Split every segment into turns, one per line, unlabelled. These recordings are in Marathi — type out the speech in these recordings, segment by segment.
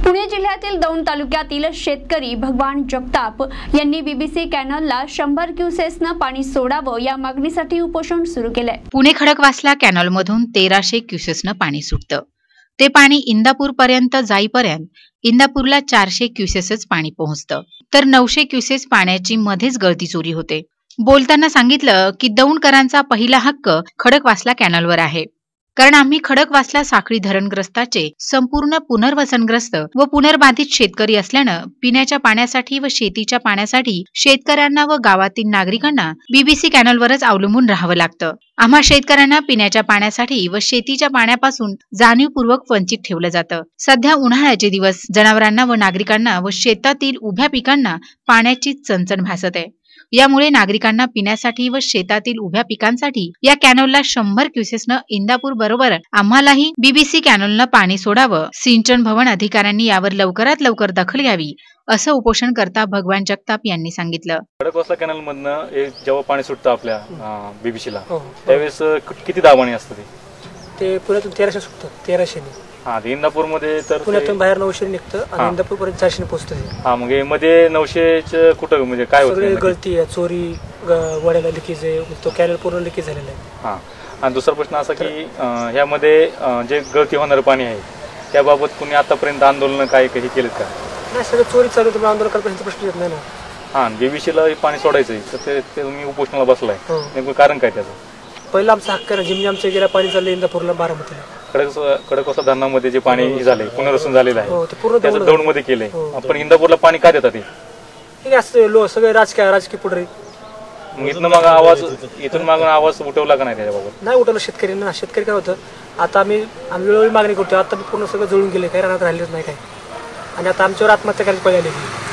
पुणे जिल्ह्यातील दौंड तालुक्यातील शेतकरी भगवान जगताप यांनी बीबीसी कॅनलला 100 क्युसेसनं पाणी सोडावं या मागणीसाठी उपोषण सुरू केलंय।
पुणे खडकवासला कॅनलमधून 1300 क्युसेसनं पाणी सुटतं। ते पाणी इंदापूर पर्यंत जाईपर्यंत इंदापूरला 400 क्युसेसच पाणी पोहोचतं, तर 900 क्युसेस पाण्याची मध्येच गळती चोरी होते। बोलताना सांगितलं की दौंडकरांचा पहिला हक्क खडकवासला कॅनलवर आहे, कारण आम्ही खडकवासला साखळी धरणग्रस्ताचे संपूर्ण पुनर्वसनग्रस्त व पुनर्बाधित शेतकरी असल्यानं पिण्याच्या पाण्यासाठी व शेतीच्या पाण्यासाठी शेतकऱ्यांना व गावातील नागरिकांना बीबीसी कॅनलवरच अवलंबून राहावं लागतं। आम्हा शेतकऱ्यांना पिण्याच्या पाण्यासाठी व शेतीच्या पाण्यापासून जाणीवपूर्वक वंचित ठेवलं जातं। सध्या उन्हाळ्याचे दिवस जनावरांना व नागरिकांना व शेतातील उभ्या पिकांना पाण्याची चणचण भासत आहे। यामुळे नागरिकांना पिण्यासाठी व शेतातील उभ्या पिकांसाठी या कॅनलला 100 क्युसेसनं इंदापूर बरोबर आम्हालाही बीबीसी कॅनलनं पाणी सोडावं। सिंचन भवन अधिकाऱ्यांनी यावर लवकरात लवकर दखल घ्यावी, असं उपोषणकर्ता भगवान जगताप यांनी सांगितलं।
खडकवासला कॅनल मधनं जेव्हा पाणी सुटतं आपल्या बीबीसीला त्यावेळेस किती दाबाणी असतं
ते पुण्यातून 1300 सुटतं, 1300 ने।
इंदापूर मध्ये तर
पुण्यातून बाहेर 900 निघतं आणि इंदापूर पर्यंत 400 पोहोचतं।
मग मध्ये 900 कुठं म्हणजे काय होतं?
गळती आहे, चोरी, वड्याला लिकेज आहे, तो कॅनल पूर्ण लिकेज झालेला आहे।
आणि दुसरा प्रश्न असा की ह्यामध्ये जे गळती होणारं पाणी आहे त्याबाबत कुणी आतापर्यंत आंदोलन काय काही केलं का?
नाही, सगळं चोरी चालू आहे, आंदोलन करण्याचा प्रश्न येत नाही ना।
बीबीसीला पाणी सोडायचंय तर ते तुम्ही उपोषणाला बसलाय, नेमकं कारण काय त्याचं?
पहिला आमचा हक्क आहे, जिमनी आमच्या गेल्या पाणी चाललं इंदापूरला, बारामतीला।
खडकवासला धरणामध्ये जे पाणी झालंय पुनर्वसन झालेलं आहे
ते पूर्ण
त्याचं दौंडमध्ये केलंय, आपण इंदापूरला पाणी का देतात?
हे असं सगळे राजकीय पुढे
इथून मागून आवाज उठवला का नाही त्याच्याबाबत?
नाही उठवलं शेतकऱ्यांना। शेतकरी काय होतं, आता आम्ही वेळोवेळी मागणी करतो, आता पूर्ण सगळं जळून गेले, काही राहण्यात राहिलेच नाही काय, आणि आता आमच्यावर आत्महत्या करायची पळी आली।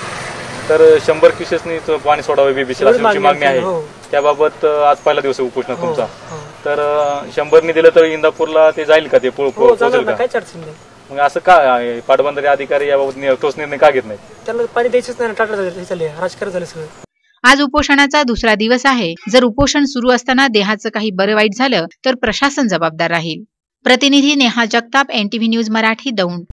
तर 100 क्युसेसनी पाणी सोडावे बीबीसीला अशी मागणी आहे। त्याबाबत आज पहिला दिवस उपोषण तुमचा, तर 100 दिलं तर इंदापूरला ते जाईल का? ते पोहोचेल का?
काहीच अडचण नाही।
मग असं का पाटबंधारे अधिकारी याबाबत ठोस निर्णय का घेत नाही?
त्यांना पाणी द्यायचंच नाही, टाटा झाले, राजकारण झालं सगळं।
आज उपोषणाचा दुसरा दिवस आहे। जर उपोषण सुरू असताना देहाचं काही बरं वाईट झालं तर प्रशासन जबाबदार राहील। प्रतिनिधी नेहा जगताप, NTV न्यूज मराठी, दौंड।